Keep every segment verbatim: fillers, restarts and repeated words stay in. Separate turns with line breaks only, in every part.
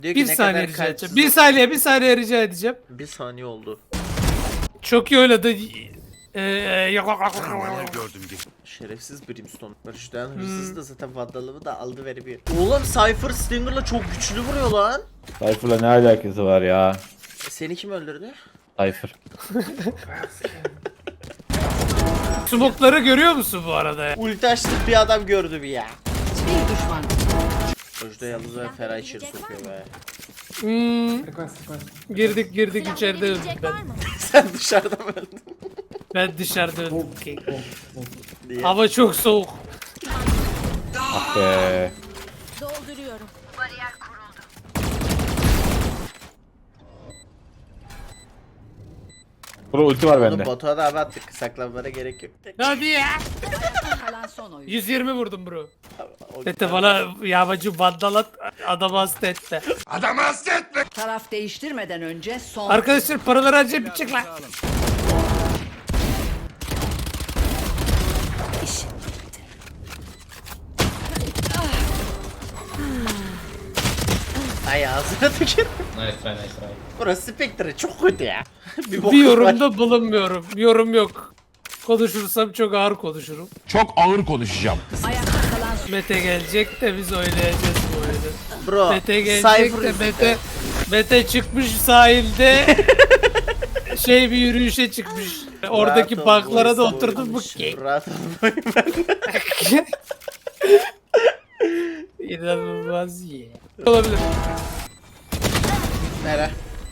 Diyor ki
Bir
ne
saniye
kadar
rica
kalpsiz
edeceğim. Bir saniye bir saniye rica edeceğim.
Bir saniye oldu.
Çok iyi oynadı. Ee,
Gördüm gibi.
Şerefsiz Brimstone. Barış'tan
Hmm.
hırsız da zaten vandalımı da aldı veremiyor. Oğlum Cypher Stinger'la çok güçlü vuruyor lan.
Cypher'la ne alakası var ya?
E, seni kim öldürdü?
Cypher.
Smokları görüyor musun bu arada ya?
Ulti açtık bir adam gördüm ya.
Bir düşman.
Özde yalnız ve Ferah içeri sokuyor be.
Hmm, girdik girdik içeride öldüm ben.
Sen dışarıda mı öldün?
Ben dışarıda öldüm.
Diye.
Hava çok soğuk.
Ah be.
Dolduruyorum.
Bro ulti var
Oğlum
bende.
Batu'a da abi attık. Saklanmana gerek yok.
Hadi ya.
Kalan son oyun.
yüz yirmi vurdum bro.
O-
Tete bana yağmacı vandalat adamı hasta etti.
Adamı hasta etme.
Taraf değiştirmeden önce son.
Arkadaşlar paraları harcayıp bitecek lan.
Ay ağzına tükür.
Nice try, nice try.
Burası Spectre çok kötü ya. bir
Bir
bokum var.
yorumda bulunmuyorum. Yorum yok. Konuşursam çok ağır konuşurum.
Çok ağır konuşacağım.
Ayakta kalan son.
Mete gelecek de biz oynayacağız bu oyunu.
Bro.
Mete gelecek
Cypher
de Mete, Mete çıkmış sahilde şey bir yürüyüşe çıkmış. Oradaki
Rahat ol,
banklara da
boys,
oturdum bu
boys.
ki.
Rahat ol boy ben.
İnanılmaz ya. Olabilir.
Nere?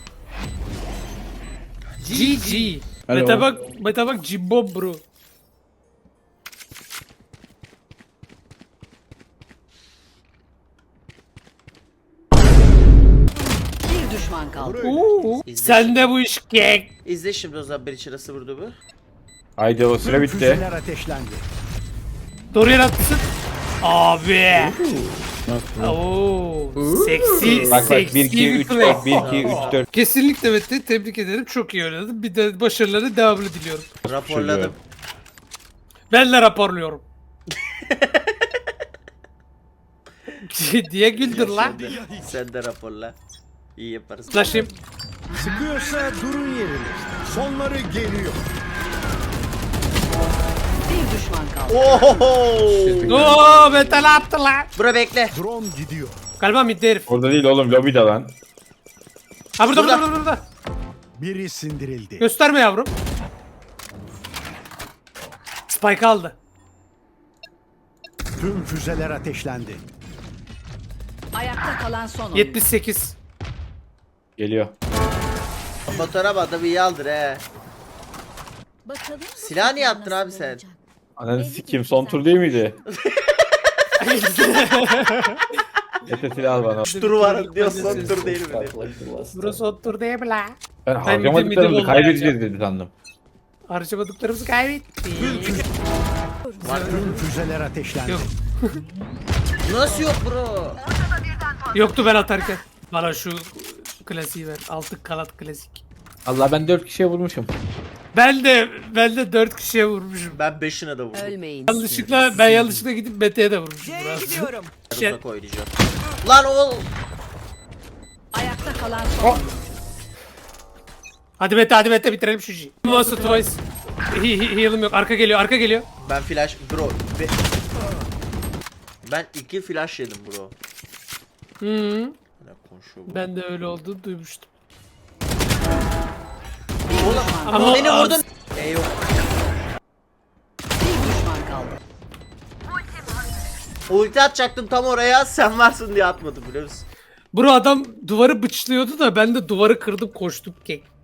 G G.
Hello.
Mete bak, Mete bak Jimbo bro.
Bir düşman kaldı.
Oo.
İzle
Sen de bu iş kek.
İzle şimdi o zaman bir içerisi vurdu bu.
Haydi o süre bitti.
Füzeler ateşlendi.
Dorian atsın. Abi. Oo. Seksi,
Bak bak
seksi
bir iki üç
play.
bak bir iki üç dört.
Kesinlikle Mete tebrik ederim. Çok iyi oynadın. Bir de başarıları devamlı diliyorum.
Raporladım.
Ben de raporluyorum. diye güldür lan.
Sen de raporla. İyi yaparız.
Laşayım.
Sıkıyorsa durun yerinizde. Sonları geliyor.
Bir düşman kaldı.
Ohoho.
Oo Mete ne yaptı lan?
Bura bekle.
Drone gidiyor.
Galiba midde herif.
Orada değil oğlum lobide lan.
Ha burada burada
Burada.
burada. burada.
Biri sindirildi.
Gösterme yavrum. Spike aldı.
Tüm füzeler ateşlendi.
Ayakta kalan son oyun.
yetmiş sekiz.
Geliyor.
Fotoğraf adamı iyi aldır he.
Bakalım
Silah niye attın abi sen?
Ananı sikeyim son tur değil miydi? Ete silah al bana.
Turu var diyor son tur değil mi diyor.
Burası otur değil mi la?
Ben
Ben
harcamadıklarımızı
midi
kaybedeceğiz dedi sandım.
Harcamadıklarımızı kaybettik.
Tüm füzeler ateşlendi.
Yok.
Nasıl yok bro?
Yoktu ben atarken. Bana şu klasiği ver. Altı kanat klasik.
Allah ben dört kişiye vurmuşum.
Ben de ben de dört kişiye vurmuşum.
Ben beşine de vurdum.
Ölmeyin.
Yanlışlıkla ben yanlışlıkla gidip Mete'ye de vurmuşum biraz. Şey-
Uzak oynayacağım. Lan oğul.
Ayakta kalan son oyun.
Hadi Mete hadi Mete bitirelim şu işi. Monster Twice. He- he- Heal'ım yok. Arka geliyor arka geliyor.
Ben flash bro. Be- ben iki flash yedim bro.
Hı.
Ne konuşuyor bu?
Ben de öyle olduğunu duymuştum.
Oğlum
Ama
beni vurdun. E yok.
Bir düşman kaldı.
Ulti atacaktım tam oraya sen varsın diye atmadım biliyor musun?
Bro adam duvarı bıçlıyordu da ben de duvarı kırdım koştum kek.